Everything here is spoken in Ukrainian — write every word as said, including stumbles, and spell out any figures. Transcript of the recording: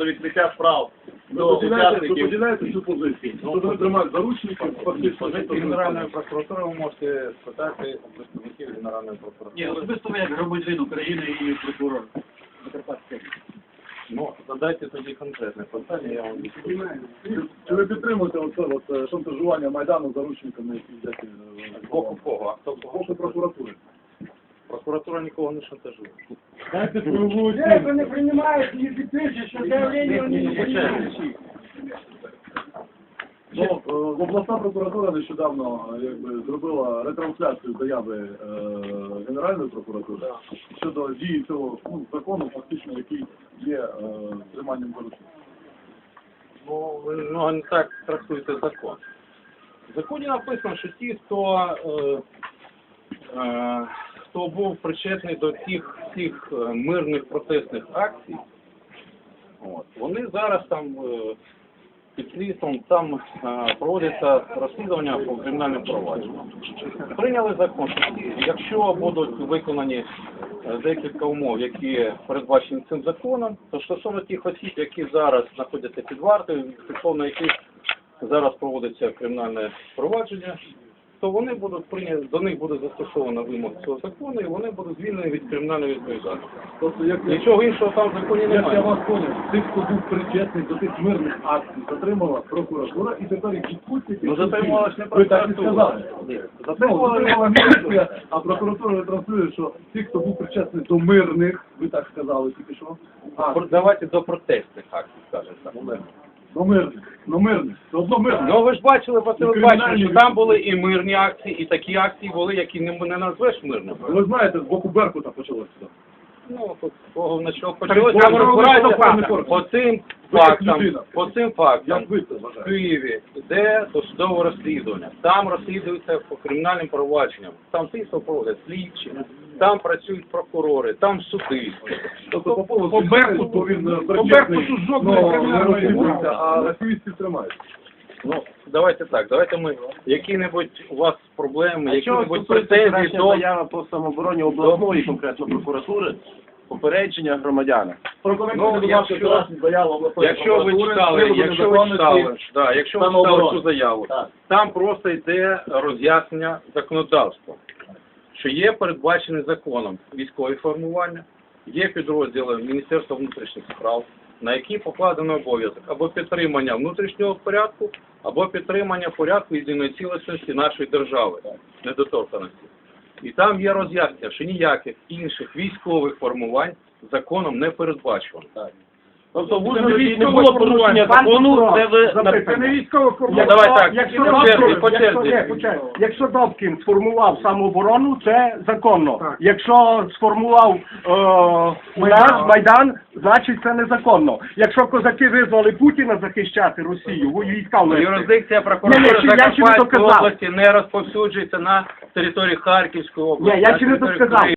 відкриття справ Ви до поділяєте, ви учасників. поділяєте цю позицію? Що вони тримають заручників, фактично. Позиції Генеральної прокуратури ви можете спитати у представників Генеральної прокуратури. Ні, особисто ви як громадянин України і прокурор Закарпатської. Ну, задайте тоді конкретне питання, я вам відповім. Чи ви підтримуєте оце от е, шантажування Майдану заручниками, які йдуть е, З боку кого? А хто з кого? боку прокуратури? Прокуратура нікого не шантажує. Дайте свою Директор не приймає і підпише, що заявлення вони не приймають. Ну, е, обласна прокуратура нещодавно е, якби, зробила ретрансляцію заяви е, Генеральної прокуратури щодо дії цього ну, закону, фактично, який є е, триманням заручників. Ну, ви ну, не так трактуєте закон. В законі написано, що ті, хто, е, е, хто був причетний до тих всіх е, мирних протестних акцій, от, вони зараз там е, під слідством там е, проводиться розслідування по кримінальним провадженням. Прийняли закон, що якщо будуть виконані е, декілька умов, які передбачені цим законом, то стосовно тих осіб, які зараз знаходяться під вартою, стосовно яких зараз проводиться кримінальне провадження, то вони будуть прийняті, до них буде застосовано вимог цього закону, і вони будуть звільнені від кримінальної відповідальності. Тобто, як, Нічого іншого там в законі як я немає. вас поняв, тих, хто був причетний до тих мирних акцій, затримала прокуратура, і тепер їх відпустять. Ну, затримала ж не Ви так і прокуратура. сказали. Затримала Ну, затримала міліція, а прокуратура транслює, що ті, хто був причетний до мирних, ви так сказали тільки що, а, Давайте до протестних акцій, скажімо так. до мирних, до мирних, це одно мирне. Ну ви ж бачили по Ну, телебаченню, кримінальні що там були і мирні акції, і такі акції були, які не, не назвеш мирними. Ви знаєте, з боку Беркута почалося це. Ну, тут кого на що почалося, Так, там ви розбирається правильно по, кажете. по цим Ви як фактам, людина. по цим фактам Як ви це в вважаєте? Києві йде досудове розслідування, там розслідується по кримінальним провадженням, там слідство проводять слідчі, там працюють прокурори, там суди. Тобто по поводу по Беркуту, бо він е, по причетний, Беркуту жодної ну, не кримінальної розслідується, справи. а активістів тримають. Ну, давайте так, давайте ми, які-небудь у вас проблеми, А чого які-небудь стосується претензії вчорашня до... заява по самообороні обласної конкретно прокуратури, попередження громадян? Ну, якщо, якщо ви читали, якщо ви читали, да, якщо ви читали цю заяву, там просто йде роз'яснення законодавства, що є передбачені законом військові формування, є підрозділи Міністерства внутрішніх справ, на які покладено обов'язок або підтримання внутрішнього порядку, або підтримання порядку єдиної цілісності нашої держави, недоторканості. І там є роз'яснення, що ніяких інших військових формувань законом не передбачено. Тобто не було порушення закону, де ви Це не військове Ну, давай так, Якщо по черзі, по Добкін- якщо- черзі. ні, почекай. Якщо Добкін сформував самооборону, це законно. Якщо сформував е, Майдан, Майдан, значить це незаконно. Якщо козаки визвали Путіна захищати Росію, війська ввести. Юрисдикція Ні, прокуратури ні, ще- я ще не Закарпатської доказав. області не розповсюджується на території Харківської області. Ні, я на ще не території досказав.